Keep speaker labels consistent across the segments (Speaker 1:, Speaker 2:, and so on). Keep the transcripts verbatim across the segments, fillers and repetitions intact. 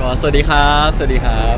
Speaker 1: ก็สวัสดีครับสวัสดีครับ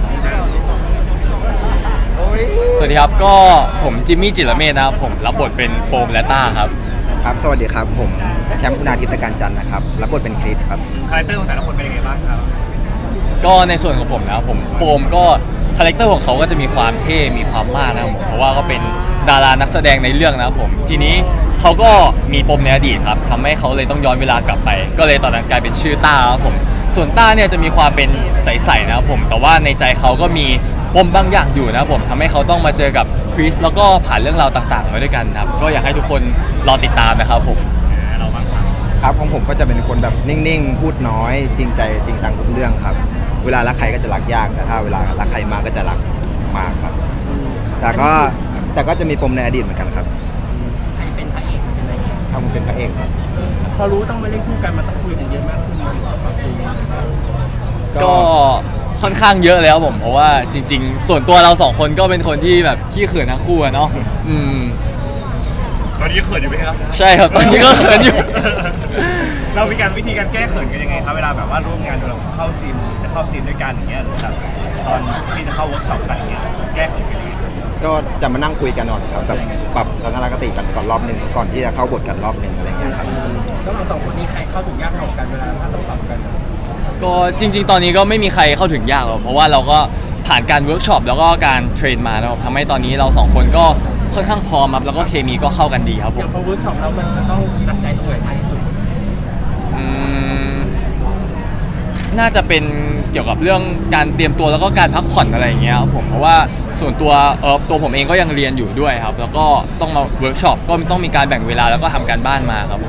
Speaker 1: สวัสดีครับก็ผมจิมมี่จิรเมธนะครับผมรับบทเป็นโฟมและต้าครับ
Speaker 2: ครับสวัสดีครับผมแคมป์คุณาทิตการจันทร์นะครับรับบทเป็นคริสครับ
Speaker 3: คาแรคเตอร์ของแต่ละคนเป็นยังไงบ้างครับ
Speaker 1: ก็ในส่วนของผมนะครับผมโฟมก็คาแรคเตอร์ของเขาก็จะมีความเท่มีความมากนะครับผมเพราะว่าก็เป็นดารานักแสดงในเรื่องนะครับผมทีนี้เขาก็มีปมในอดีตครับทำให้เขาเลยต้องย้อนเวลากลับไปก็เลยตอนนั้นกลายเป็นชื่อต้าครับผมส่วนต้าเนี่ยจะมีความเป็นใสๆนะครับผมแต่ว่าในใจเขาก็มีปมบางอย่างอยู่นะครับผมทำให้เขาต้องมาเจอกับคริสแล้วก็ผ่านเรื่องราวต่างๆมาด้วยกันครับก็อยากให้ทุกคนรอติดตามนะครับผม
Speaker 3: เราบ้างครับ
Speaker 2: ครับของผมก็จะเป็นคนแบบนิ่งๆพูดน้อยจริงใจจริงจังทุกเรื่องครับเวลารักใครก็จะรักยากแต่ถ้าเวลารักใครมากก็จะรักมากครับแต่ก็แต่ก็จะมีปมในอดีตเหมือนกันครับ
Speaker 4: ใครเป็นพระเอกอะไรเงี้ย
Speaker 2: ถ้าผมเป็นพระเอกครับ
Speaker 4: พอรู้ต้องมาเล่นคู่กันมันต้องคุยกันเยอะมากขึ้นมันปรับจูน
Speaker 1: ก็ค่อนข้างเยอะแล้วผมเพราะว่าจริงๆส่วนตัวเราสองคนก็เป็นคนที่แบบขี้เขินทั้งคู่อะเนาะอืม
Speaker 3: ตอนนี้เขินอยู่ไหมครับ
Speaker 1: ใช่ครับตอนนี้ก็เขินอยู่
Speaker 3: เรามีการวิธีการแก้เขินกันยังไงครับเวลาแบบว่าร่วมงานเราเข้าซีนจะเข้าซีนด้วยกันอย่างเงี้ยหรือแบบตอนที่จะเข้าเวิร์กช็อปกันอย่างเงี้ยแก้เขินกันยังไง
Speaker 2: ก็จะมานั่งคุยกันก่อนครับแบบปรับทัศนคติกันก่อนรอบหนึ่งก่อนที่จะเข้าบทกันรอบหนึ่งอะไรเงี้ยครับ
Speaker 4: แล้วเราสองคนนี้ใครเข้าถึงยากกว่ากันเวลาถ้าต้องปรับกัน
Speaker 1: ก็จริงๆตอนนี้ก็ไม่มีใครเข้าถึงยากหรอกเพราะว่าเราก็ผ่านการเวิร์กช็อปแล้วก็การเทรนมาแล้วทำให้ตอนนี้เราสองคนก็ค่อนข้างพร้อมครับแล้วก็เคมีก็เข้ากันดีครับผม
Speaker 4: อย่างพอเวิร์กช็อปแล้วมันจะต้องหนักใจตรงไหนมากที่สุด
Speaker 1: อืมน่าจะเป็นเกี่ยวกับเรื่องการเตรียมตัวแล้วก็การพักผ่อนอะไรอย่างเงี้ยครับผมเพราะว่าส่วนตัวเออตัวผมเองก็ยังเรียนอยู่ด้วยครับแล้วก็ต้องมาเวิร์กช็อปก็ต้องมีการแบ่งเวลาแล้วก็ทำการบ้านมาครับผม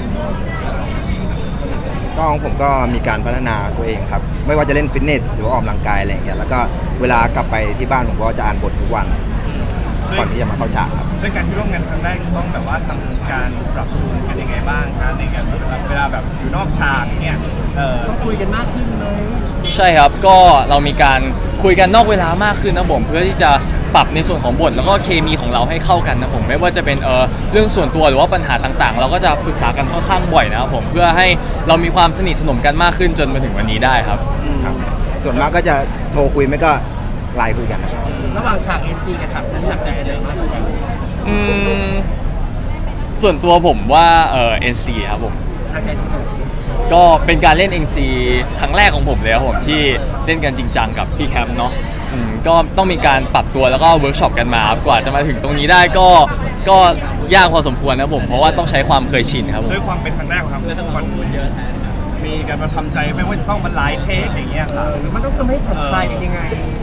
Speaker 2: ก็ของผมก็มีการพัฒนาตัวเองครับไม่ว่าจะเล่นฟิตเนสหรือว่าออกกำลังกายอะไรอย่างเงี้ยแล้วก็เวลากลับไปที่บ้านผมก็จะอ่านบททุกวันก่อนที่จะมาเข้าฉากครับ
Speaker 3: ด้วยการที่ร่วมงานครั้งแรกต้องแบบว่าทำการปรับจูนกันยังไงบ้างครับในการเวลาแบบอยู่นอกฉากเนี่ย
Speaker 4: ต้องคุยกันมากขึ้นไหม
Speaker 1: ใช่ครับก็เรามีการคุยกันนอกเวลามากขึ้นนะผมเพื่อที่จะปรับในส่วนของบทแล้วก็เคมีของเราให้เข้ากันนะผมไม่ว่าจะเป็นเออเรื่องส่วนตัวหรือว่าปัญหาต่างๆเราก็จะปรึกษากันค่อนข้างบ่อยนะครับผมเพื่อให้เรามีความสนิทสนมกันมากขึ้นจนมาถึงวันนี้ได้ครับ
Speaker 2: ครับส่วนมากก็จะโทรคุยไม่ก็ไลน์คุยกัน
Speaker 4: ระหว่างฉาก เอ็น ซี กับฉากนั้นหนักใจอะไรมากกว่ากัน
Speaker 1: อืมส่วนตัวผมว่าเออ เอ็น ซี ครับผม
Speaker 4: หนักใจตรงไหน
Speaker 1: ก็เป็นการเล่น เอ็น ซี ครั้งแรกของผมเลยครับผมที่เล่นกันจริงจังกับพี่แคมป์เนาะก็ต้องมีการปรับตัวแล้วก็เวิร์กช็อปกันมากว่าจะมาถึงตรงนี้ได้ก็ก็ยากพอสมควรนะผมเพราะว่าต้องใช้ความเคยชินครับ
Speaker 3: ด้วยความเป็นครั้งแรกของเราทุกคนเยอะมีการมาทำใจไม่ว่าจะต้องมาไลฟ์เทคอย่างเงี้ยครับ
Speaker 4: มันต้องทำให้ผ่อนคลายเป็นยังไง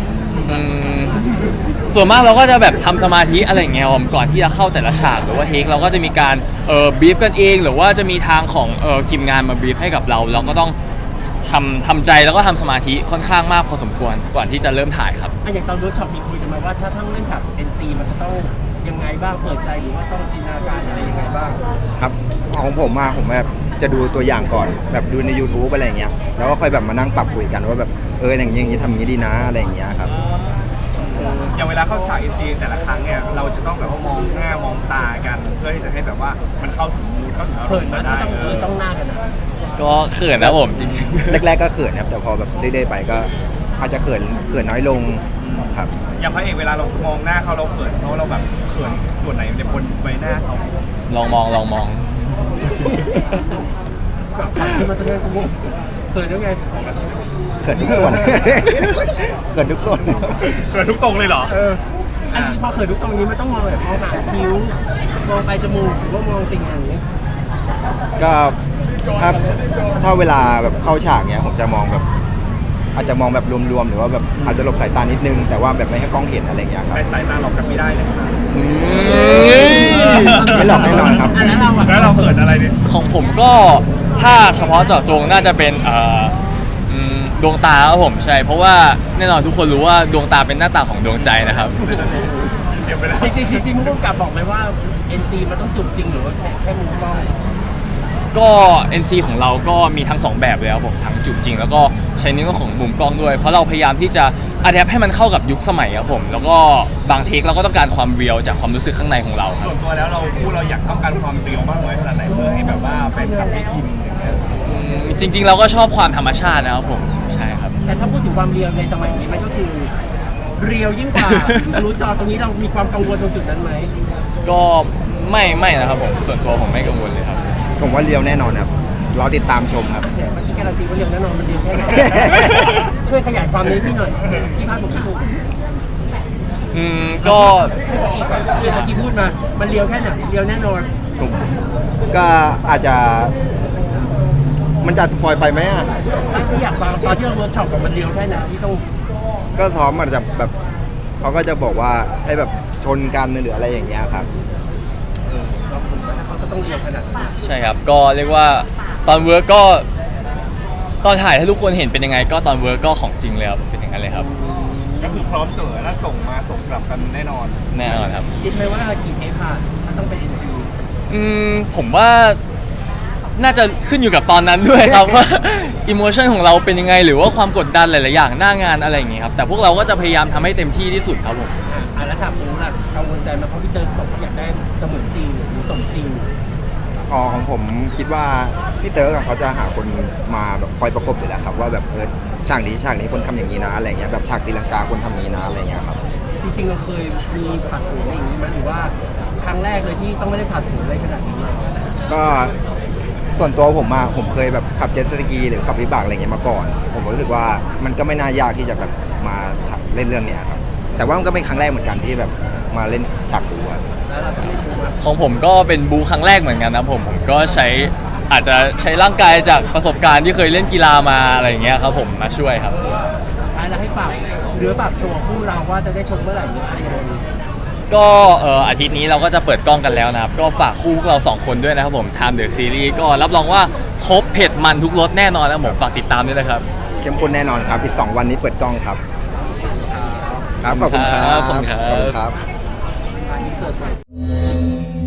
Speaker 1: ส่วนมากเราก็จะแบบทำสมาธิอะไรอย่างเงี้ยก่อนที่จะเข้าแต่ละฉากหรือว่าเทคเราก็จะมีการเอ่อบีฟกันเองหรือว่าจะมีทางของเอ่อทีมงานมาบีฟให้กับเราเราก็ต้องทำทำใจแล้วก็ทำสมาธิค่อนข้างมากพอสมควรก่อนที่จะเริ่มถ่ายครับ
Speaker 4: อย่างตอนเวิร์กช็อปมีคุยกันมาว่าถ้าทั้งเล่นฉาก เอ็น ซี มันจะต้องยังไงบ้างเปิดใจหรือว่าต้องจินตนาการอะไรยังไงบ้าง
Speaker 2: ครับของผมมาผมแบบจะดูตัวอย่างก่อนแบบดูใน YouTube อะไรอย่างเงี้ยแล้วก็ค่อยแบบมานั่งปรับคุยกันว่าแบบเอออย่างนี้อย่างนี้ทำอย่างนี้ดีนะอะไรอย่างเงี้ยครับ
Speaker 3: อย่างเวลาเข้าฉาก เอ็น ซี แต่ละครั้งเนี่ยเราจะต้องแบบว่ามองหน้ามองตากันเพื่อที่จะให้แบบว่ามันเข้าถึงมูดเข้าถึงอารมณ์
Speaker 4: ได้ต้องเออต้องหน้ากันนะ
Speaker 1: ก็เขินนะผมจริง
Speaker 2: ๆแรกๆก็เขินครับแต่พอแบบเรื่อยๆไปก็อาจจะเขินเขินน้อยลงครับ
Speaker 3: อย่างพระเอกเวลาเรามองหน้าเขาเราเขินเขาเราแบบเขินส่วนไหนในบนใบหน้าเขา
Speaker 1: ลองมองลองมอง
Speaker 4: ขันขึ้นมาสักนิดกูเขินยังไง
Speaker 2: เขินทุกส่วนเขินทุกส่วน
Speaker 3: เขินทุกตรงเลยเหรอ
Speaker 4: เอออันนี้พอเขินทุกตรงนี้ไม่ต้องมองแบบมองหางคิ้วมองไปจมูกหรือว่ามองติ่งอย่างนี้
Speaker 2: ก็ถ้าถ้าเวลาแบบเข้าฉากเนี้ยผมจะมองแบบอาจจะมองแบบรวมๆหรือว่าแบบอาจจะหลบสายตานิดนึงแต่ว่าแบบไม่ให้กล้องเห็นอะไรเงี้ยครับ
Speaker 3: สายตาหลอกกันไม่ได้เลยครับ
Speaker 2: ไม่หลอกแน่นอนครับ
Speaker 4: แล้วเรา
Speaker 3: แล้วเราเขินอะไรเนี่ย
Speaker 1: ของผมก็ถ้าเฉพาะเจาะจงน่าจะเป็นเอ่อดวงตาครับผมใช่เพราะว่าแน่นอนทุกคนรู้ว่าดวงตาเป็นหน้าต่างของดวงใจนะครับ
Speaker 4: จริงๆจริงๆมุกกับบอกไหมว่า เอ็น ซี มันต้องจุดจริงหรือว่าแค่แค่มุมกล้อง
Speaker 1: ก็ เอ็น ซี ของเราก็มีทั้งสองแบบเลยครับผมทั้งจุดจริงแล้วก็ใช้ในเรื่องของมุมกล้องด้วยเพราะเราพยายามที่จะอะแดปให้มันเข้ากับยุคสมัยครับผมแล้วก็บางเทคเราก็ต้องการความเรียลจากความรู้สึกข้างในของเรา
Speaker 3: ส่วนตัวแล้วเราพูดเราอยากต้องการความเรียลมากน้อยขนาดไหนเพื่อให้แบบว่าแฟนคลับได้อินอย่างเงี้ย
Speaker 1: จริงๆเราก็ชอบความธรรมชาตินะครับผมใช่ครับ
Speaker 4: แต่ถ้าพูดถึงความเรียวในสมัยนี้มันก็คือเรียวยิ่งกว่าทะลุจอตรงนี้เรามีความกังวลตรงจุดนั้นไหม
Speaker 1: ก็ไม่ไม่นะครับผมส่วนตัวผมไม่กังวลเลยครับ
Speaker 2: ผมว่าเรียวแน่นอนครับรอติดตามชมครับ
Speaker 4: เนี่ยเมื่อกี้การันตีว่าเรียวแน่นอนมันเรียวแค่ไหน ช่วยขยายความนี้พี่หน่อยพี่พาดผมพี่ถูก
Speaker 1: อืมก็
Speaker 4: พูดอีกก่อนที่เมื่อกี้พูดมา มันเรียวแค่ไหนเรียวแน่นอน
Speaker 2: ผมก็อาจจะ มันจะสปอยไปไหมอ่ะ
Speaker 4: ไม่อยากฟังตอนที่เราเวิร์กช็อปกับมันเรียวแค่ไหนที่ต้อง
Speaker 2: ก็ซ้อมมันจะแบบเขาก็จะบอกว่าให้แบบชนกันหรืออะไรอย่างเงี้ยครับ
Speaker 4: เออเราผมว่าเขาก็ต้องเรียวขนาดนั้น
Speaker 1: ใช่ครับก็เรียกว่าตอนเวิร์กก็ ตอนถ่ายถ้าทุกคนเห็นเป็นยังไง ก็ตอนเวิร์กก็ของจริงเลยครับเป็นอย่างนั้นเลยครับ
Speaker 3: ก็คือพร้อมเสมอและส่งมาส่งกลับกันแน่นอน
Speaker 1: แน่นอนครับ
Speaker 4: คิดไหมว่ากี่เทปผ่านถ้าต้องเป็น เอ็น ซี
Speaker 1: อืมผมว่าน่าจะขึ้นอยู่กับตอนนั้นด้วยครับ ว่าอิโมชันของเราเป็นยังไง หรือว่าความกดดันหลาย ๆ อย่างหน้างานอะไรอย่างงี้ครับแต่พวกเราก็จะพยายามทำให้เต็มที่ที่สุดครับผม
Speaker 4: อ่ะอ่ะแล้วฉากนู้นล่ะกังวลใจไหมาเพราะพี่เตอร์บอกว่าอยากได้เสมือนจริงหรือสมจริง
Speaker 2: อ๋อของผมคิดว่าพี่เต๋อกับเขาจะหาคนมาแบบคอยประกบอยู่แล้วครับว่าแบบเออฉากนี้ฉากนี้คนทำอย่างนี้นะอะไรเงี้ยแบบฉากตีลังกาคนทำอย่างนี้นะอะไรเงี้ยครับ
Speaker 4: จริงๆเราเคยมีผัดโผอะไรอย่างนี้ไหมหรือว่าครั้งแรกเลยที่ต้องไม่ได้ผัดโผอะไรขนาดนี้
Speaker 2: ก็ส่วนตัวผมอะผมเคยแบบขับเจ็ตสกีหรือขับวิบากอะไรเงี้ยมาก่อน ผมรู้สึกว่ามันก็ไม่น่ายากที่จะแบบมาเล่นเรื่องเนี้ยครับแต่ว่ามันก็เป็นครั้งแรกเหมือนกันที่แบบมาเล่นฉากบูอะ
Speaker 4: แล้วเราต้องเล่นโผล่
Speaker 1: ของผมก็เป็นบูครั้งแรกเหมือนกันนะผมผมก็ใช้อาจจะใช้ร่างกายจากประสบการณ์ที่เคยเล่นกีฬามาอะไรอย่างเงี้ยครับผมมาช่วยครับ
Speaker 4: สุดท้ายเราให้ฝากหรือฝากโชว์คู่เราว่าจะได้ชมเมื่อไหร่หรืออะไรยังไง
Speaker 1: ก็เอ่ออาทิตย์นี้เราก็จะเปิดกล้องกันแล้วนะครับ ก็ฝากคู่พวกเราสองคนด้วยนะครับผม Time The Series ก็รับรองว่าครบเผ็ดมันทุกรสแน่นอนนะผมฝากติดตามด้วยนะครับ
Speaker 2: เข้มข้นแน่นอนครับอีกสองวันนี้เปิดกล้องครับครับขอบคุณครับ
Speaker 1: ขอบคุณครับ
Speaker 2: ขอบคุณครับ
Speaker 4: อันนี้เสิร์ฟ